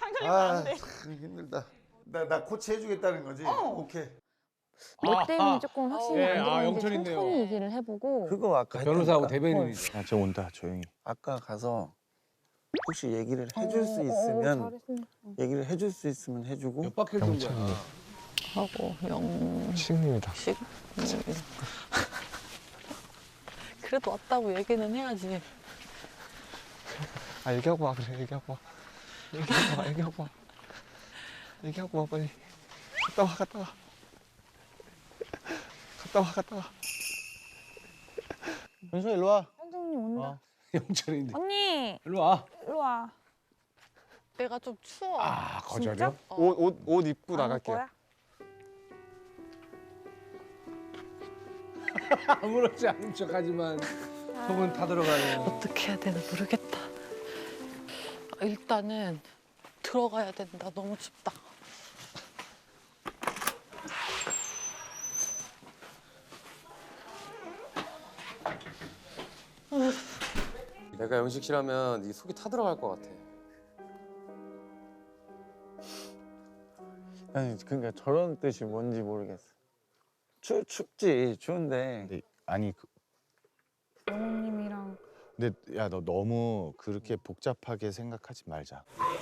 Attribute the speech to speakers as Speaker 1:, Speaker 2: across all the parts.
Speaker 1: 아, 참 힘들다. 나 코치 해주겠다는 거지? 오케이.
Speaker 2: 뭐 때문에 조금 확신이
Speaker 3: 예,
Speaker 2: 안 들었는데
Speaker 3: 영철 있네요.
Speaker 2: 천천히 얘기를 해보고.
Speaker 1: 그거 아까
Speaker 3: 변호사하고
Speaker 1: 했다니까.
Speaker 3: 대변인이죠.
Speaker 4: 야, 저 온다 조용히.
Speaker 1: 아까 가서 혹시 얘기를 해줄 수 있으면
Speaker 2: 잘했습니다.
Speaker 1: 얘기를 해줄 수 있으면 해주고
Speaker 3: 몇 바퀴 돈 거야.
Speaker 5: 하고 영식
Speaker 4: 식님이다.
Speaker 5: 그래도 왔다고 얘기는 해야지.
Speaker 4: 아 얘기하고 와 그래 얘기하고 와. 얘기하고 와 얘기하고 와. 얘기하고 와 빨리. 갔다 와 갔다 와. 갔다 와 갔다 와.
Speaker 1: 현수 일로 와.
Speaker 2: 현정님 온다.
Speaker 3: 영철인데.
Speaker 2: 언니
Speaker 3: 일로 와.
Speaker 2: 일로 와.
Speaker 5: 내가 좀 추워.
Speaker 3: 아, 거절이요?
Speaker 2: 진짜?
Speaker 4: 옷 입고
Speaker 2: 안 올
Speaker 4: 나갈게요.
Speaker 2: 거야?
Speaker 3: 아무렇지 않은 척하지만 속은 타들어가는.
Speaker 5: 어떻게 해야 되나 모르겠다. 일단은 들어가야 된다. 너무 춥다.
Speaker 6: 내가 영식 씨라면 네 속이 타들어갈 것 같아.
Speaker 1: 아니 그러니까 저런 뜻이 뭔지 모르겠어. 춥지 추운데.
Speaker 4: 근데 아니
Speaker 2: 영호님이랑
Speaker 4: 근데 야 너 너무 그렇게 복잡하게 생각하지 말자.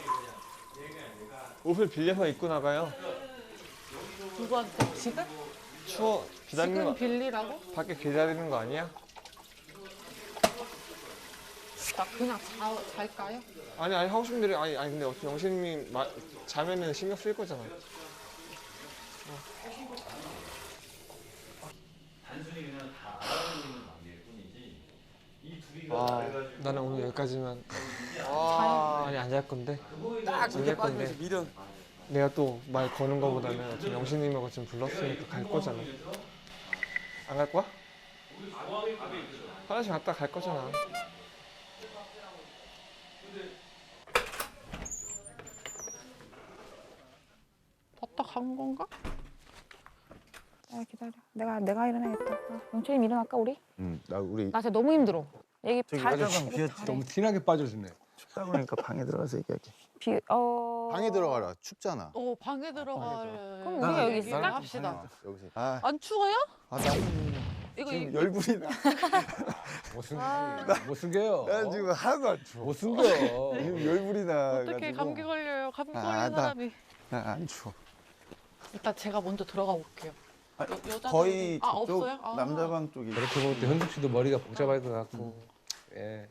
Speaker 4: 옷을 빌려서 입고 나가요.
Speaker 5: 누구한테? 지금?
Speaker 4: 추워 기다리는
Speaker 5: 지금
Speaker 4: 거
Speaker 5: 빌리라고?
Speaker 4: 밖에 기다리는 거 아니야?
Speaker 5: 나 그냥 잘까요?
Speaker 4: 아니 하고 싶은 대로 아니 근데 어차피 영신님이 자면은 신경 쓸 거잖아. 나는 오늘 여기까지만. 아니 안 잘 건데.
Speaker 6: 딱 그렇게 빠지면서 미련.
Speaker 4: 내가 또 말 거는 거보다는 어차피 영신님하고 지금 불렀으니까 갈 거잖아. 안 갈 거야? 화장실 갔다 갈 거잖아.
Speaker 5: 왔다 간 건가?
Speaker 2: 기다려. 내가 일어나야겠다. 영철님 일어날까 우리?
Speaker 4: 나 우리
Speaker 2: 나 진짜 너무 힘들어. 얘기
Speaker 1: 저기
Speaker 2: 잘
Speaker 1: 화장방 비었지.
Speaker 3: 너무 티나게 빠져주네.
Speaker 1: 춥다 그러니까 방에 들어가서 얘기할게.
Speaker 4: 방에 들어가라. 춥잖아.
Speaker 5: 방에 들어가래.
Speaker 2: 그럼 우리가 여기
Speaker 5: 얘기를
Speaker 2: 있을까?
Speaker 5: 합시다.
Speaker 4: 여기서.
Speaker 5: 안 추워요?
Speaker 1: 나는
Speaker 5: 이거
Speaker 1: 지금 열불이 나.
Speaker 3: 못 숨겨요.
Speaker 1: 난 지금 하나도 안 추워.
Speaker 3: 못 숨겨.
Speaker 1: 지금 열불이 나.
Speaker 5: 어떻게 감기 걸려요? 감기 걸린
Speaker 1: 나-
Speaker 5: 사람이.
Speaker 1: 나안 추워.
Speaker 5: 일단 제가 먼저 들어가 볼게요.
Speaker 1: 아니,
Speaker 5: 여자들은-
Speaker 1: 거의
Speaker 5: 아,
Speaker 1: 저쪽
Speaker 5: 없어요? 아.
Speaker 1: 남자방 쪽이.
Speaker 3: 그렇게 볼 때 현숙 씨도 머리가 복잡할 것 같고. 예.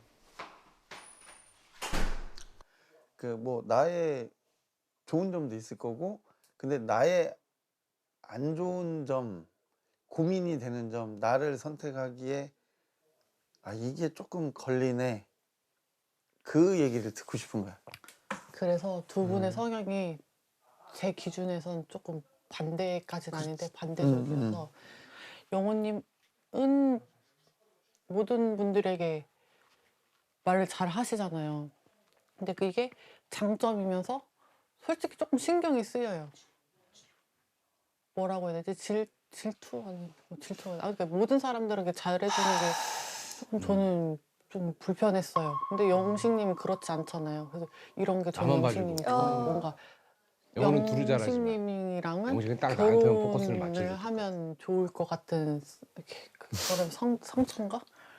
Speaker 1: 그 뭐 나의 좋은 점도 있을 거고, 근데 나의 안 좋은 점, 고민이 되는 점, 나를 선택하기에 이게 조금 걸리네. 그 얘기를 듣고 싶은 거야.
Speaker 5: 그래서 두 분의 성향이 제 기준에선 조금 반대까지는 아닌데 반대적이어서 영호님은 모든 분들에게 말을 잘 하시잖아요. 근데 그게 장점이면서 솔직히 조금 신경이 쓰여요. 뭐라고 해야 되지? 질투 아니 질투 그러니까 모든 사람들에게 잘해주는 게 조금 저는 좀 불편했어요. 근데 영식님은 그렇지 않잖아요. 그래서 이런 게 저는
Speaker 3: 나만 봐주고.
Speaker 5: 영식님이 좀 뭔가
Speaker 3: 영호는 둘이 잘하지만.
Speaker 5: 영식님이랑은
Speaker 3: 영식은 딱 나한테만 포커스를
Speaker 5: 결혼을
Speaker 3: 맞춰주고.
Speaker 5: 하면 좋을 것 같은 이렇게 그거를 상처인가?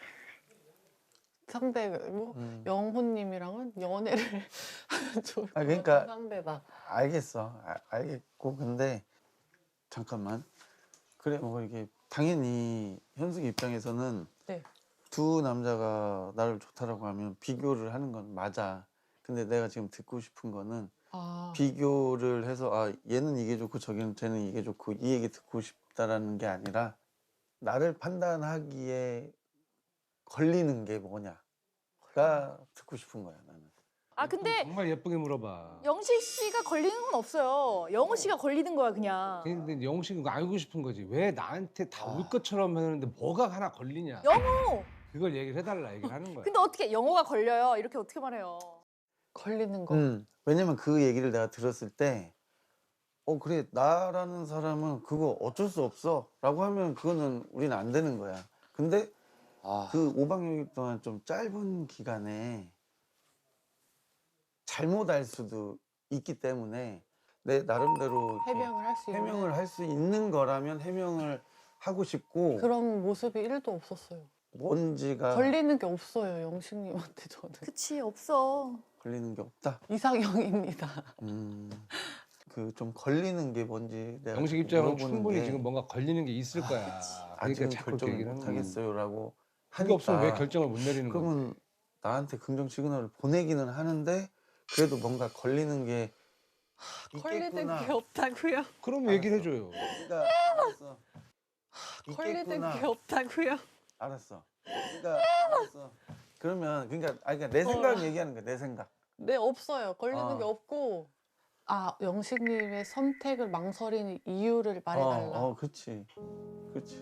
Speaker 5: 상대고 영호님이랑은 연애를 하면 좋을 것
Speaker 1: 그러니까
Speaker 5: 같은 상대다.
Speaker 1: 알겠어. 알겠고, 근데 잠깐만. 그래, 뭐 이게 당연히 현숙 입장에서는
Speaker 5: 네.
Speaker 1: 두 남자가 나를 좋다라고 하면 비교를 하는 건 맞아. 근데 내가 지금 듣고 싶은 거는 비교를 해서 얘는 이게 좋고 쟤는 이게 좋고 이 얘기 듣고 싶다라는 게 아니라 나를 판단하기에 걸리는 게 뭐냐가 듣고 싶은 거야, 나는.
Speaker 7: 근데
Speaker 3: 정말 예쁘게 물어봐.
Speaker 7: 영식 씨가 걸리는 건 없어요. 영호 씨가 걸리는 거야 그냥.
Speaker 3: 근데 영웅 씨는 그거 알고 싶은 거지. 왜 나한테 다 울 것처럼 하는데 뭐가 하나 걸리냐.
Speaker 7: 영호.
Speaker 3: 그걸 얘기를 해달라 얘기를 하는 거야.
Speaker 7: 근데 어떻게 영호가 걸려요? 이렇게 어떻게 말해요?
Speaker 5: 걸리는 거.
Speaker 1: 왜냐면 그 얘기를 내가 들었을 때 그래, 나라는 사람은 그거 어쩔 수 없어 라고 하면 그거는 우리는 안 되는 거야. 근데 그 5박 6일 동안 좀 짧은 기간에 잘못 알 수도 있기 때문에 내 나름대로 이렇게
Speaker 5: 해명을 할 수 있는
Speaker 1: 해명을 할 수 있는 거라면 해명을 하고 싶고
Speaker 5: 그런 모습이 1도 없었어요.
Speaker 1: 뭔지가
Speaker 5: 걸리는 게 없어요, 영식님한테 저는.
Speaker 7: 그치 없어.
Speaker 1: 걸리는 게 없다.
Speaker 5: 이상형입니다.
Speaker 1: 그 좀 걸리는 게 뭔지 내가
Speaker 3: 영식
Speaker 1: 자꾸
Speaker 3: 입장은
Speaker 1: 물어보는
Speaker 3: 충분히
Speaker 1: 게
Speaker 3: 지금 뭔가 걸리는 게 있을 거야. 그러니까
Speaker 1: 아직은
Speaker 3: 자꾸
Speaker 1: 결정을
Speaker 3: 얘기를
Speaker 1: 못
Speaker 3: 하는 거야.
Speaker 1: 하겠어요라고
Speaker 3: 그게 없으면 왜
Speaker 1: 하니까
Speaker 3: 결정을 못 내리는 거야?
Speaker 1: 그러면 나한테 긍정 시그널을 보내기는 하는데 그래도 뭔가 걸리는 게
Speaker 5: 걸리는
Speaker 1: 있겠구나.
Speaker 5: 게 없다고요?
Speaker 3: 그럼 얘기를 해줘요.
Speaker 1: 그러니까 알았어.
Speaker 5: 걸리는
Speaker 1: 있겠구나.
Speaker 5: 게 없다고요?
Speaker 1: 알았어. 그러니까 알았어. 그러면 그러니까 내 생각 얘기하는 거야. 내 생각.
Speaker 5: 네, 없어요. 걸리는
Speaker 1: 어.
Speaker 5: 게 없고. 아, 영식님의 선택을 망설이는 이유를 말해달라.
Speaker 1: 그렇지. 그렇지.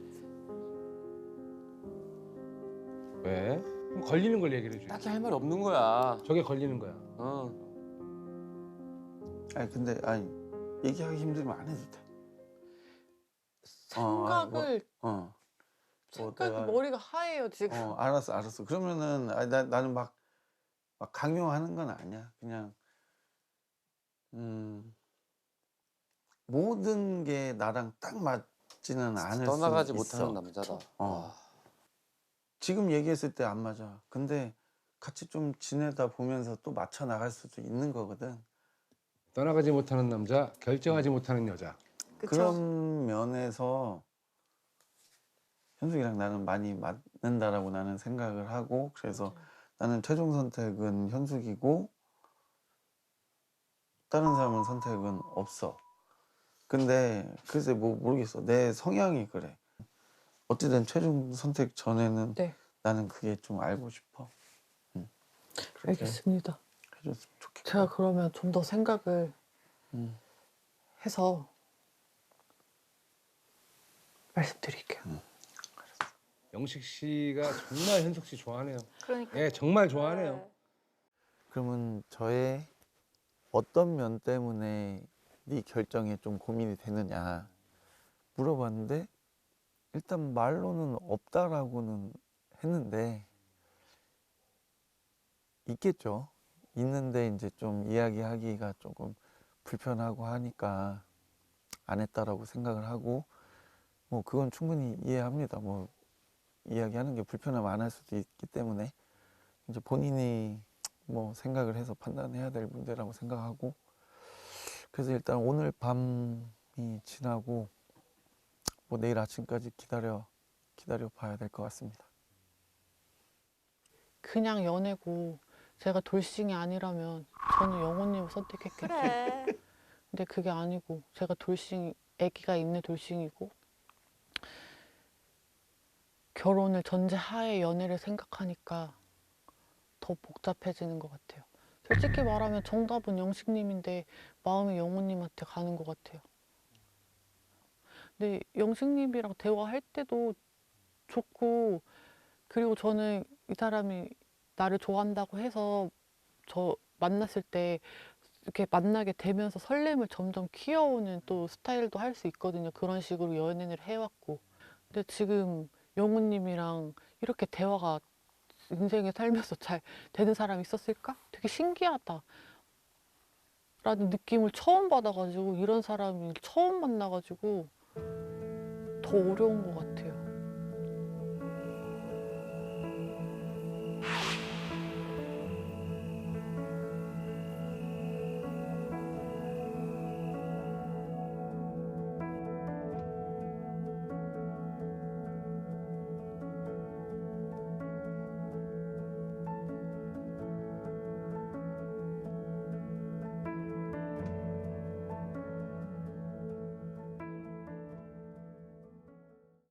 Speaker 3: 왜? 그럼 걸리는 걸 얘기를 해줘요.
Speaker 6: 딱히 할 말 없는 거야.
Speaker 3: 저게 걸리는 거야.
Speaker 6: 어.
Speaker 1: 근데 얘기하기 힘들면 안 해도 돼.
Speaker 5: 생각을
Speaker 1: 뭐
Speaker 5: 생각이
Speaker 1: 내가-
Speaker 5: 머리가 하얘요 지금.
Speaker 1: 알았어. 그러면은 나는 막 강요하는 건 아니야. 그냥 모든 게 나랑 딱 맞지는 않을
Speaker 6: 떠나가지
Speaker 1: 수 있어.
Speaker 6: 못하는 남자다.
Speaker 1: 어. 지금 얘기했을 때 안 맞아. 근데 같이 좀 지내다 보면서 또 맞춰 나갈 수도 있는 거거든.
Speaker 3: 떠나가지 못하는 남자, 결정하지 못하는 여자.
Speaker 7: 그쵸?
Speaker 1: 그런 면에서 현숙이랑 나는 많이 맞는다라고 나는 생각을 하고 그래서 나는 최종 선택은 현숙이고 다른 사람은 선택은 없어. 근데 글쎄 뭐 모르겠어. 내 성향이 그래. 어찌든 최종 선택 전에는
Speaker 5: 네.
Speaker 1: 나는 그게 좀 알고 싶어. 그렇게
Speaker 5: 알겠습니다.
Speaker 1: 해줬으면 좋겠다.
Speaker 5: 제가 그러면 좀 더 생각을
Speaker 1: 음.
Speaker 5: 해서 말씀드릴게요.
Speaker 3: 영식 씨가 정말 현숙 씨 좋아하네요.
Speaker 7: 그러니까.
Speaker 3: 예, 정말 좋아하네요.
Speaker 7: 네.
Speaker 1: 그러면 저의 어떤 면 때문에 네 결정에 좀 고민이 되느냐 물어봤는데 일단 말로는 없다라고는 했는데 있겠죠. 있는데 이제 좀 이야기하기가 조금 불편하고 하니까 안 했다라고 생각을 하고 뭐 그건 충분히 이해합니다. 뭐 이야기하는 게 불편하면 안 할 수도 있기 때문에 이제 본인이 뭐 생각을 해서 판단해야 될 문제라고 생각하고 그래서 일단 오늘 밤이 지나고 뭐 내일 아침까지 기다려 봐야 될 것 같습니다.
Speaker 5: 그냥 연애고 제가 돌싱이 아니라면 저는 영호님을 선택했겠죠.
Speaker 7: 그래.
Speaker 5: 근데 그게 아니고 제가 돌싱, 아기가 있는 돌싱이고 결혼을 전제하에 연애를 생각하니까 더 복잡해지는 것 같아요. 솔직히 말하면 정답은 영식님인데 마음이 영호님한테 가는 것 같아요. 근데 영식님이랑 대화할 때도 좋고 그리고 저는 이 사람이 나를 좋아한다고 해서 저 만났을 때 이렇게 만나게 되면서 설렘을 점점 키워오는 또 스타일도 할 수 있거든요. 그런 식으로 연애를 해왔고. 근데 지금 영우님이랑 이렇게 대화가 인생에 살면서 잘 되는 사람이 있었을까? 되게 신기하다. 라는 느낌을 처음 받아가지고 이런 사람을 처음 만나가지고 더 어려운 것 같아요.